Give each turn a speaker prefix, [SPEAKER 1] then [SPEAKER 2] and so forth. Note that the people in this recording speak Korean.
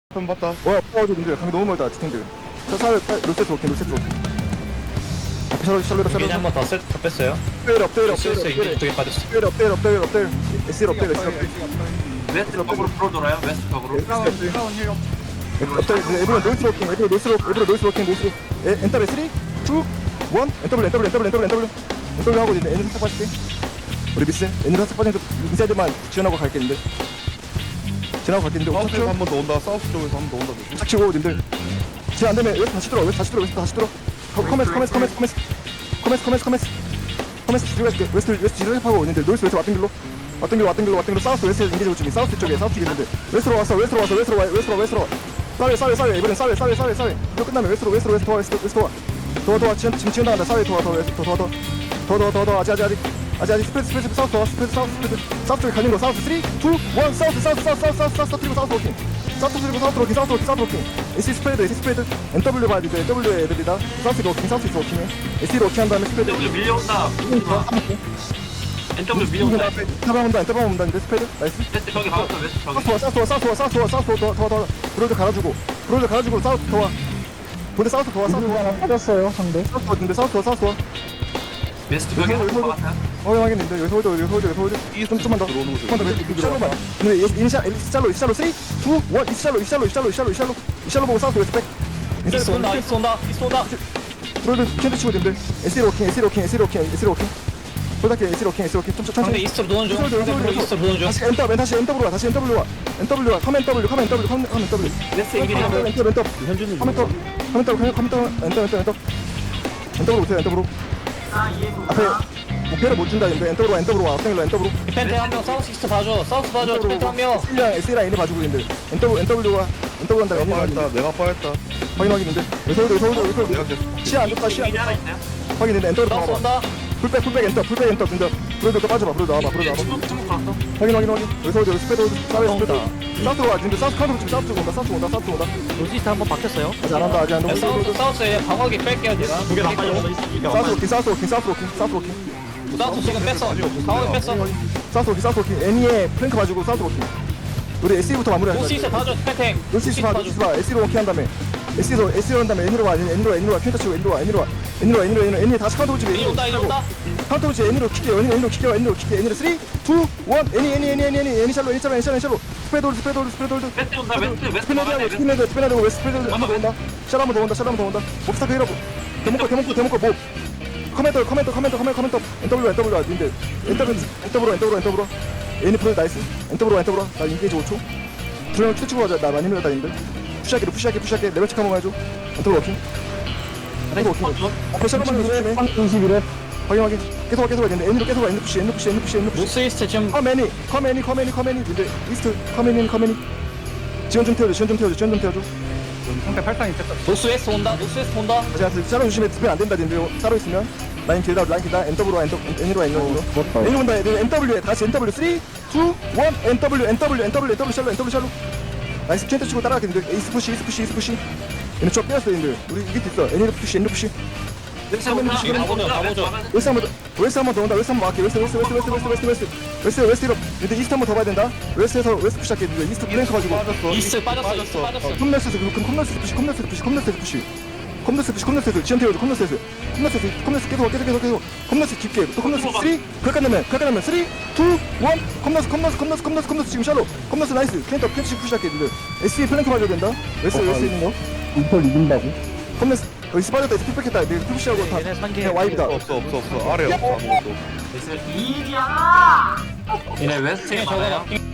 [SPEAKER 1] 한 봤다.
[SPEAKER 2] 뭐야, 근데 강이 너무 멀다, 지탱들. 저 사회, 롤세트 워킹, 롤세트 워킹. 앞에 샬롯.
[SPEAKER 3] 미니 한번 더 세트 더 뺐어요.
[SPEAKER 2] 업데일.
[SPEAKER 3] 이게 두개 빠졌어.
[SPEAKER 2] 업데일. SL 업데일.
[SPEAKER 4] 웨스트 벽으로 풀어돌아요. 웨스트 벽으로.
[SPEAKER 2] 업데일, 에브런 노이스 워킹, 에브런 노이스 워킹, 엔터블 3, 2, 1, 엔터블 하고 있는데, N을 살짝 빠질게. 우리 미스, N을 살짝 빠지는데, 인사이드만 지원하고 갈겠는데.
[SPEAKER 1] 사우스에서 한 번 더 온다. 사우스 쪽에서 한 번 더 온다.
[SPEAKER 2] 딱 치고, 님들. 지금 안 되면, 웨스트 다시 들어. 커메스 들어갈게. 웨스트 지르하고 있는데, 노이스 웨스트 왔던 길로 사우스 웨스트 인게이지 중이 사우스 쪽에 있는데, 웨스트로 왔어. 싸웨 이번엔 싸웨 이거 끝나면 웨스트로 와. 더 지금 나간다. 싸웨 더 아직 스프레드 사우스 쪽에 갈린 거 사우스 3, 2, 1 사우스 그리고 사우스 워킹 AC 스프레드 NW 봐야 돼. W에 애들이다. 사우스 워킹해. SE로 워킹 한 다음에 스프레드
[SPEAKER 4] NW 밀려온다. NW 밀려온다.
[SPEAKER 2] 엔터방 온다. 근데 스프레드 나이스.
[SPEAKER 4] 웨스트 벽에 박았어. 웨스트 벽에.
[SPEAKER 2] 사우스 더 브로드 갈아주고 사우스 더 와. 근데 사우스 더 와.
[SPEAKER 5] 빠졌어요 상대.
[SPEAKER 2] 사우스 와.
[SPEAKER 4] 웨스트 벽에 한번 박았어요.
[SPEAKER 2] 확인했는데 여기서 홀드 좀만 더
[SPEAKER 1] 들어오는 거죠.
[SPEAKER 2] 샬로만. 근데 이니셜로 3, 2, 1 이샬로 보고 사우스 웨스트 백.
[SPEAKER 3] 이스 온다.
[SPEAKER 2] 브로드 캔드 치고 있는데 SL 워킹 홀드할게. SL 워킹 좀
[SPEAKER 3] 상대
[SPEAKER 2] 천천히.
[SPEAKER 3] 이스트로 도는 중. 상대 이스트로 도는 중.
[SPEAKER 2] 다시 NW 와. 컴 NW.
[SPEAKER 3] 웨스트 인기지.
[SPEAKER 2] 엔터브로 앞에 목표를 못 준다. 엔터브로 와.
[SPEAKER 3] 디펜트 한명 사우스 이스트 봐줘. 디펜트 한 명.
[SPEAKER 2] S랑 N을 봐주고 있는데 엔터브로 한다.
[SPEAKER 1] 내가 빠졌다.
[SPEAKER 2] 확인하기는데 여기서
[SPEAKER 1] 내가 계속.
[SPEAKER 2] 시야 안 좋다.
[SPEAKER 4] 미니 하나 있어요.
[SPEAKER 2] 확인했는데 엔터로
[SPEAKER 3] 사우스
[SPEAKER 2] 나와봐.
[SPEAKER 3] 온다.
[SPEAKER 2] 풀백 엔터 근데 브로드 빠져봐. 브로드 나와봐.
[SPEAKER 4] 주먹 걸었어.
[SPEAKER 2] 확인. 여기서 스페드 사우스 와. 근데 사우스 카운터 지금 사우스 온다.
[SPEAKER 5] 로지스트 한번 바뀌었어요.
[SPEAKER 2] 아직 안 한다.
[SPEAKER 3] 사우스에 방어기 뺄게요. 두개 다 빨려.
[SPEAKER 2] 사우스 워킹.
[SPEAKER 3] 사우스 지금 뺐어. 방어기 뺐어.
[SPEAKER 2] 사우스 워킹. 애니에 플랭크 봐주고 사우스 워킹. 우리 SE부터 마무리하자.
[SPEAKER 3] 노스 이스트 봐줘. 디펜팅.
[SPEAKER 2] 노시스 봐. SE로 워킹 한 다음에 SE로 한 다음에 N으로 와. 퀸터 치고 N으로 와. N이 다시 카운터 오지.
[SPEAKER 3] 이리 온다.
[SPEAKER 2] 카운터 오지. N으로 킬게요. N으로 3, 2, 1 N 샬로 스프레드 홀드
[SPEAKER 4] 웨스트 온다. 웨스트 막아야 돼.
[SPEAKER 2] 스피너드하고 웨스트 스프레드 한번 더 온다. 샬 한번 더 온다. 몹스타크 히러브 데모코 몹 커멘터 NW 와. 님들 엔터브로 N이 프로드 나이스. 엔터브로 나 인게이지 5초. 두명 큐 치고 가자. 나 많이 밀렸다. 님들 푸시하게 레벨 체크 한번 해줘. 엔터브로 워킹. 앞에 샬로만 조심해.
[SPEAKER 5] 21회
[SPEAKER 2] 확인. 계속 와. N으로 계속 와. N 푸시.
[SPEAKER 3] 노스 이스트 지금
[SPEAKER 2] 커맨이. 근데 이스트 커맨이. 지원 좀 태워줘.
[SPEAKER 5] 상대 팔상이 뺐다.
[SPEAKER 3] 노스 웨스트 온다.
[SPEAKER 2] 제가 샬로 조심해. 디펜 안 된다. 님들 따로 있으면 라인 길다. N으로 와. N으로 온다. NW에 다시 NW 3, 2, 1 NW 샬로. 나이스. 캔터 치고 따라가겠는데. 이스 푸시. 얘네 쭉 빼었어. 님들 우리 이게 있어. N으로 푸시.
[SPEAKER 4] 웨스트 온다.
[SPEAKER 3] 가보죠.
[SPEAKER 2] 웨스트 한번 더 온다. 웨스트 한번 할게. 웨스트 이로. 근데 이스트 한번 더 봐야 된다. 웨스트에서 웨스트 푸시할게. 이스트 블랭크 가지고.
[SPEAKER 3] 이스트 빠졌어.
[SPEAKER 2] 컴너스 푸시. 컴너스 지원 태워줘. 컴너스 계속. 컴너스 깊게. 또 컴너스 3. 그렇게 하면 3, 2, 1 컴너스 지금 샬로. 컴너스 나이스. 캔터 푸시할게. SE 플랭크 맞아야 된다. 웨스트 있는 거.
[SPEAKER 5] 이걸 이긴다고?
[SPEAKER 2] 컴너스 여기 스파이더다. 푸시했다. 내가 푸시하고 다 그냥 와입이다.
[SPEAKER 1] 없어. 아래 없어. 아무것도.
[SPEAKER 4] 얘네 웨스트에 많아요.